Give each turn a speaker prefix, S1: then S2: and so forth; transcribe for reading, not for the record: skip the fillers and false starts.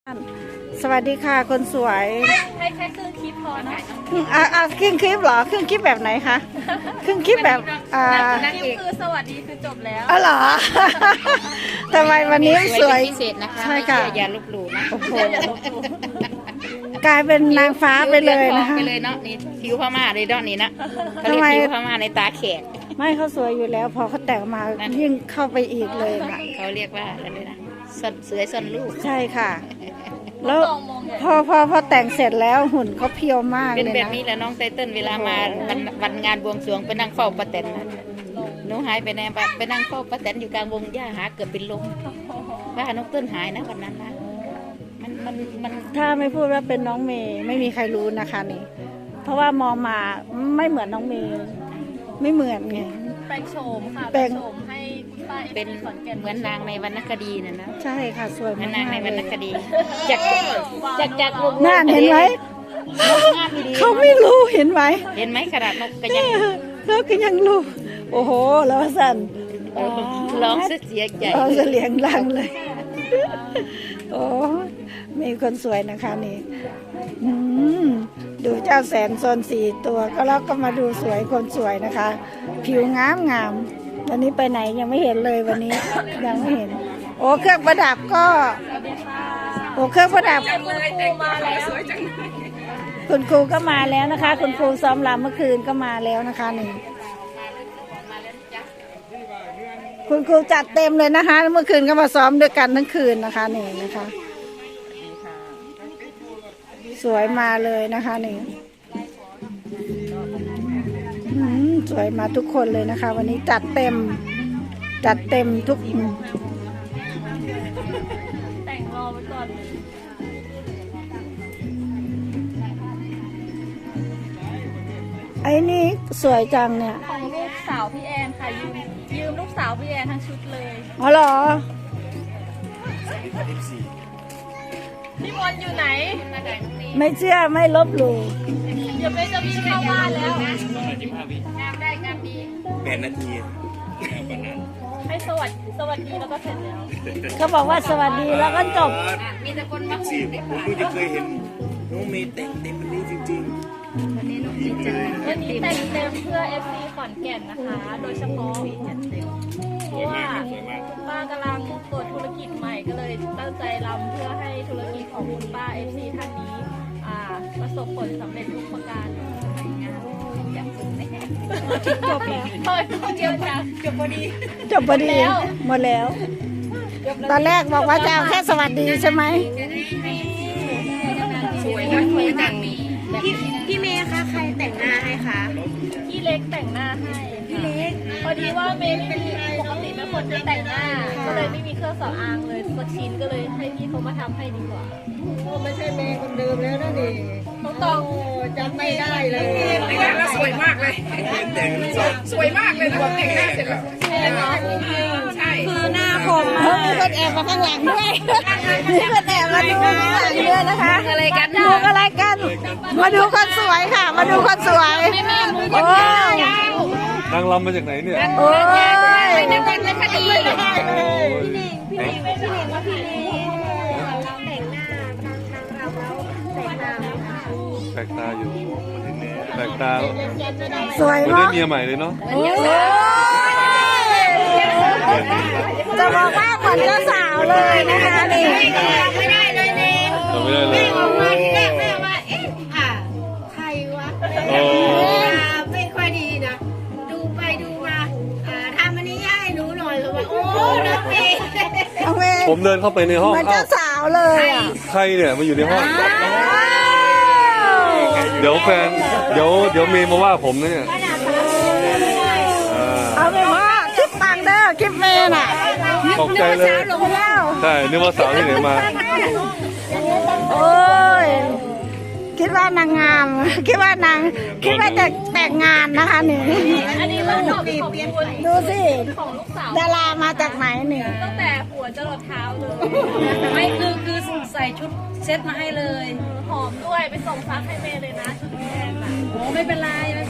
S1: สวัสดีค่ะคนสวย
S2: ให้แค่ครึ่งคลิปพอเนาะ
S1: ครึ่งคลิปเหรอครึ่งคลิปแบบไหนคะครึ่งคลิปแบบ
S2: นางเอกคือสวัสดีคือจบแล้ว
S1: อ๋อเหรอทำไมวันนี้สวย
S3: พิเศษนะคะ
S1: ใช่ค่ะ
S3: อย่าลบหลู่นะ
S1: โอ้โหกลายเป็นนางฟ้าไปเลยนะคะ
S3: ไปเลยเนาะนี่ผิวพม่าเลยดอกนี้นะเขา
S1: ทำ
S3: เรียก
S1: ไม
S3: ผิวพม่าในตาแขก
S1: ไม่เขาสวยอยู่แล้วพอเขาแต่งมายิ่งเข้าไปอีกเลยค่ะ
S3: เขาเรียกว่าอะไรเลยนะซ่อนเสือซ่อนลูก
S1: ใช่ค่ะ แล้วพอแต่งเสร็จแล้วหุ่นเขาเพียวมาก
S3: เป็น
S1: เลย
S3: แบบ
S1: นะ
S3: นี้แหละน้องไตเติ้ลเวลามาวันงานบวงสรวงไปนั่งเฝ้าป้าแตนนะหนูหายไปไหนไปนั่งเฝ้าป้าแตนอยู่กลางวงหญ้าหาเกือบเป็นลมว่าน้องเติ้ลหายนะวันนั้นนะมัน
S1: ถ้าไม่พูดว่าเป็นน้องเมย์ไม่มีใครรู้นะคะนี่เพราะว่ามองมาไม่เหมือนน้องเมย์ไม่เหมือนไง
S2: แปลงโฉมค่ะ
S1: แปลง
S2: โฉมให้คุณป้า
S3: เป็น
S2: ขอนแก่น
S3: เหมือนนางในวรรณคดีน่ะนะ
S1: ใช่ค่ะสวย
S3: เหมื
S1: มา
S3: อก นนางในวรรณค
S1: เลย
S3: ดีจาก
S1: น่านเห็นไหม
S3: งามดี
S1: เขาไม่รู้เห็นไหม
S3: เห็นไหมขนาดนกก็ยัง
S1: เขาก็ยังรู้โอ้โหแล้วสั่น
S3: ร้องเสียใจ
S1: เราจะเลี้ยงดังเลยโอ้มีคนสวยนะคะนี่อืมดูเจ้าแสนโซน4 ตัวก็แล้วก็มาดูสวยคนสวยนะคะ ผิวงามวันนี้ไปไหนยังไม่เห็นเลยวันนี้ยังไม่เห็น โอ้เครื่องประดับก็โอ้เครื่องประดับ
S2: คุณครูมาแล้ว
S1: คุณครูก็มาแล้วนะคะ คุณครูซ้อมรำเมื่อคืนก็มาแล้วนะคะนี่คุณครูจัดเต็มเลยนะคะ เมื่อคืนก็มาซ้อมด้วยกันทั้งคืนนะคะนี่นะคะ สวยมาเลยนะคะนี่สวยมาทุกคนเลยนะคะ วันนี้จัดเต็มทุก
S2: แต่งรอไว้ก่อน
S1: ไอ้นี่สวยจังเนี่ย
S2: ของลูกสาวพี่แอนค่ะยืมลูกสาวพี่แอนทั้งชุดเลย
S1: อ๋อเหรอ
S2: พี่มนต์อยู่ไหน
S1: ไม่เชื่อไม่ลบหลู่
S2: เดี๋ยวเบนจะวิ่งเข้าบ้านแล้ว
S3: งามได้งามดี
S4: 8 นาที
S2: ให้สวัสดีแล้วก็เสร็จแล้ว
S1: เขาบอกว่าสวัสดีแล้วก็จบ
S3: มีแต่คนมา
S4: สิผมเพิ่งจะเคยเห็นน้องเมย์แต่งเต็มวันนี้จริง
S3: วันนี้น้องดีใจ
S2: วันนี้แต่งเต็มเพื่อ FC ขอนแก่นนะคะ โดยเฉพาะเพราะว่าคุณป้ากำลังเปิดธุรกิจใหม่ก็เลยตั้งใจรำเพื่อให้ธุรกิจของคุณป้า FC ท่านนี้ประสบผลสำเร็จทุกประการ
S3: อย่างสุดแน่
S1: จบแล้ว
S2: เฮ้ยเดียวจ้ะจบพอดี
S1: จบพอดีหมดแล้ว ตอนแรกบอกว่าจะเอาแค่สวัสดีใช่ไหม
S3: สวยนะสวยจังมีแบบนี้นะ
S5: พี่เมย์คะใครแต่งหน้าให้คะ
S2: พี่เล็กแต่งหน้าให้พี่เล็กพอดีว่าเมย์ไม่มีปกติเป็นคนจะแต่งหน้า ก็เลยไม่มีเครื่องสำอางเลยสักชิ้นก็เลยให้พี่เขามาทำให้ดีกว่า
S5: ไม่ใช่เมย์คนเดิมแล้วนะดิ
S2: ต้อง
S5: จำไม่ได้เลย
S3: แต่งหน้าแล้วสวยมากเลย
S4: ๆแต่งสด
S3: สวยมากเลยนะแต่งหน้าเสร็จแล้ว
S2: แน่นอน
S3: ใช่
S5: คือหน้าคม
S1: เฮ้ยมีคนแอบมาข้างหลังด้วยมีคนแอบมาดูข้างหลังด้วยนะคะ
S3: อะไรกัน
S1: ดูอะไรกัน มาดูคนสวยค่ะ มาดูคนสวยโอ้ย
S6: นางรำมาจากไหนเนี่ย
S1: โอ้ย
S3: นักเป็นคดี
S6: แปลกตาอยู่แปลกตา
S1: สวย
S6: เหมือนได้
S1: เนาะ
S6: เมียใหม่เลยเนาะ
S1: โอ้ยจะบอกว่าเหมือนเจ้าสาวเลยนะคะนี่
S5: ไม่ได้เลยเมย์
S6: เราไม่ได้เลย
S5: ออกมาที่แรกแม่ว่าเอ๊ะใครวะ
S6: โอ้
S5: ไม่ค่อยดีนะดูไปดูมาทำอันนี้ให้หนูหน่อยเลยว่าโอ้น้องเมย์
S1: เอาเมย์
S6: ผมเดินเข้าไปในห้อง
S1: เหมือน
S6: เอ้า
S1: เจ้าสาวเลยอ่ะ
S6: ใครเนี่ยมาอยู่ในห้อง
S1: อ้าว
S6: เดี๋ยวแฟนเดี๋ยวเมย์มาว่าผมนะเนี่ยอ่า
S1: เอาไปว่าคลิปปังเด้อคลิปเมย์น่ะ
S6: ตกใจเลย
S1: ลงแล้ว
S6: ใช่นึกว่าสาวที่ไหนมา
S1: โอ้ยคิดว่านางงาม คิดว่จะแต่งงานนะคะนี่
S2: อันนี้ก็ขอบคุณ
S1: ดูสิ
S2: ของลูกสาว
S1: ดารามาจากไหนเนี่ย
S2: ตั้งแต่หัวจรดเท้าเลย
S5: ไม่คือใส่ชุดเซ็ตมาให้เลย
S2: หอมด้วยไปส่งซักให้เมย์เลยนะชุดแพงน่ะ
S5: โอ้ไม่เป็นไร